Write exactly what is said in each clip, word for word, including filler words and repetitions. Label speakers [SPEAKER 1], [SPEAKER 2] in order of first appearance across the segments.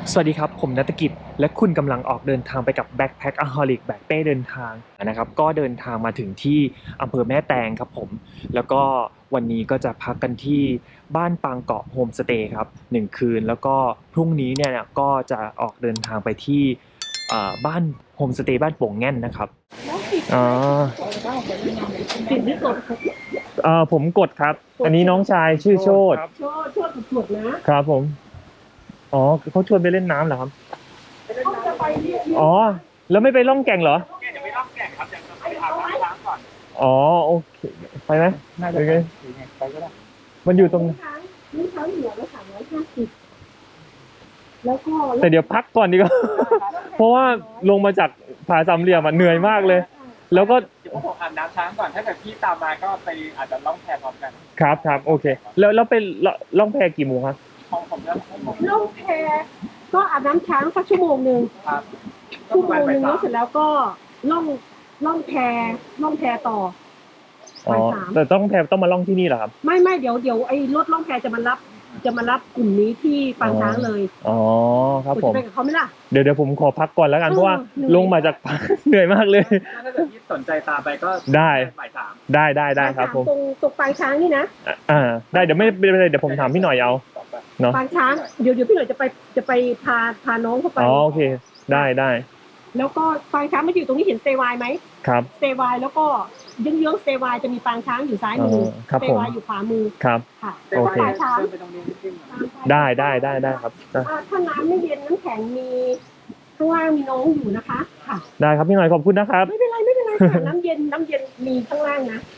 [SPEAKER 1] สวัสดีครับผมณัฐกิจและคุณกำลังออกเดินทางไปกับ Backpackaholic แบกเป้เดินทางนะครับก็เดินทางมาถึงที่อำเภอแม่แตงครับผมแล้วก็วันนี้ก็จะพักกันที่บ้านปางเกาะโฮมสเตย์ครับหนึ่งคืนแล้วก็พรุ่งนี้เนี่ยก็จะออกเดินทางไปที่เอ่อบ้านโฮมสเตย์บ้านโป่งแง่นนะครับอ๋อ
[SPEAKER 2] สิ่งที่กด
[SPEAKER 1] เอ่อผมกดครับอันนี้น้องชายชื่อโชติ
[SPEAKER 2] โชดโชดกดนะครับ
[SPEAKER 1] ผมอ๋อเขาชวนไปเล่นน้ำเหรอครับ
[SPEAKER 2] เขาจะไปเรียก
[SPEAKER 1] อ๋อแล้วไม่ไปล่องแก่งเหรอ
[SPEAKER 3] เนี่ยเดี๋ยวไปล่องแก่งครับยังจะไปอาบน้ำล้างก่อน
[SPEAKER 1] อ๋อโอเคไปไหม
[SPEAKER 3] น่าจะไปไปก็ได้
[SPEAKER 1] มันอยู่ตรง
[SPEAKER 2] ช้างนี่ช้างเหลือละสามร้อยห้าสิบแล้วก็
[SPEAKER 1] แต่เดี๋ยวพักก่อนดีกว่าเพราะว่าลงมาจากผาสามเหลี่ยมอ่ะเหนื่อยมากเลย แล้วก็
[SPEAKER 3] เดี๋ยวผมอาบน้ำช้างก่อนถ้าเกิดพี่ตามมาก็ไปอาจจะล่องแพพร้อมกัน
[SPEAKER 1] ครับครับโอเคแล้วแล้วไปล่องแพกี่โมงครับ
[SPEAKER 3] ของผมจะให้ผม
[SPEAKER 2] ล่องแพก็อาบน้ำช้างสักชั่วโมงหนึ่ง
[SPEAKER 3] ครับ
[SPEAKER 2] ชั่วโมงหนึ่งแล้วเสร็จแล้วก็ล่องล่องแพล่องแพต่อ
[SPEAKER 1] อ๋อแต่ต้องแพต้องมาล่องที่นี่เหรอครับ
[SPEAKER 2] ไม่ไม่เดี๋ยวเดี๋ยวไอ้รถล่องแพจะมารับจะมารับกลุ่มนี้ที่ปางช้างเลย
[SPEAKER 1] อ๋อครับผม
[SPEAKER 2] จะไปกับเขาไหมล่ะ
[SPEAKER 1] เดี๋ยวเดี๋ยวผมขอพักก่อนแล้วกันเพราะว่าลงมาจากเหนื่อยมากเลย
[SPEAKER 3] ถ้าเกิดพี่สนใจตามไปก็
[SPEAKER 1] ได้
[SPEAKER 3] บ่ายสาม
[SPEAKER 1] ได้ได้ได้ครับผม
[SPEAKER 2] ตรงตรงปางช้างนี่นะ
[SPEAKER 1] อ่าได้เดี๋ยวไม่เป็นไรเดี๋ยวผมถามพี่หน่อยเอาเนาะ
[SPEAKER 2] ปางช้างเดี๋ยวเดี๋ยวพี่หน่อยจะไปจะไปพาพาน้องเข้าไป
[SPEAKER 1] อ๋อโอเคได้ได้
[SPEAKER 2] แล้วก็ปางช้างมันอยู่ตรงนี้เห็นสเตย์ไวน์ไหม
[SPEAKER 1] ครับ
[SPEAKER 2] สเตย์ไวน์แล้วก็เยื้องๆสเตย์ไวน์จะมีปางช้างอยู่ซ้ายมือสเตย์ไวน์อยู่ขวามือ
[SPEAKER 1] ครับ
[SPEAKER 2] ค่ะ
[SPEAKER 1] โอเค
[SPEAKER 2] ปางช้าง
[SPEAKER 1] ได้ได้ได้ได้ครับ
[SPEAKER 2] ถ้าน้ำไม่เย็นน้ำแข็งมีข้างล่างมีน้องอยู่นะคะค่ะ
[SPEAKER 1] ได้ครับพี่หน่อยขอบคุณนะครับ
[SPEAKER 2] ไม่เป็นไรไม่เป็นไรค่ะน้ำเย็นน้ำเย็นมีข้างล่างนะ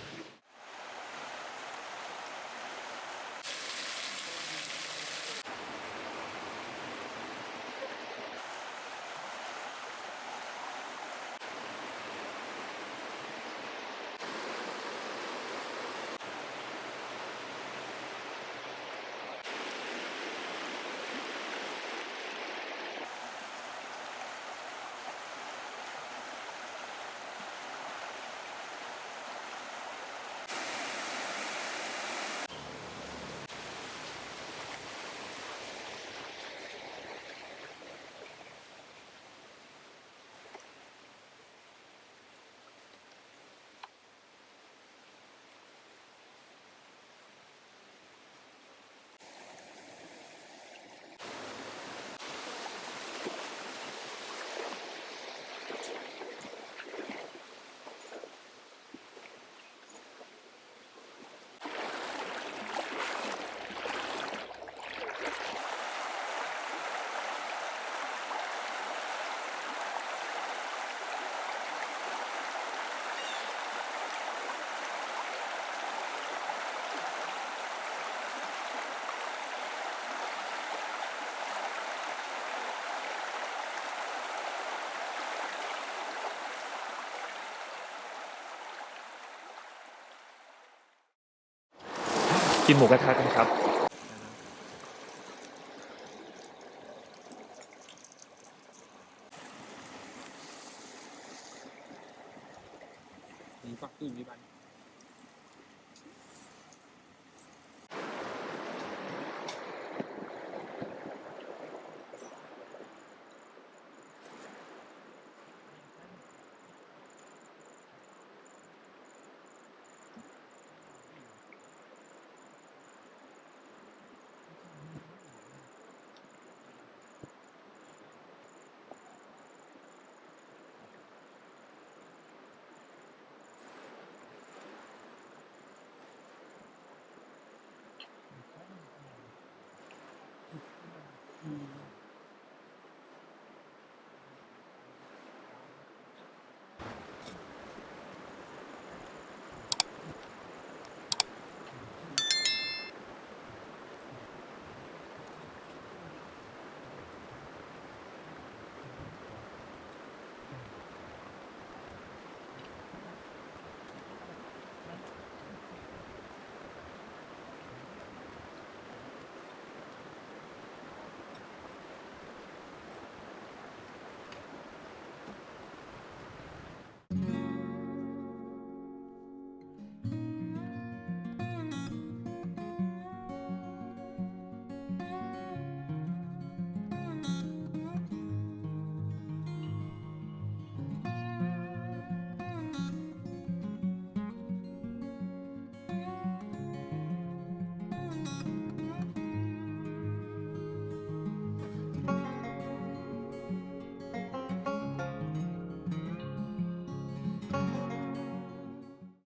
[SPEAKER 1] กินหมูกระทะกันครับ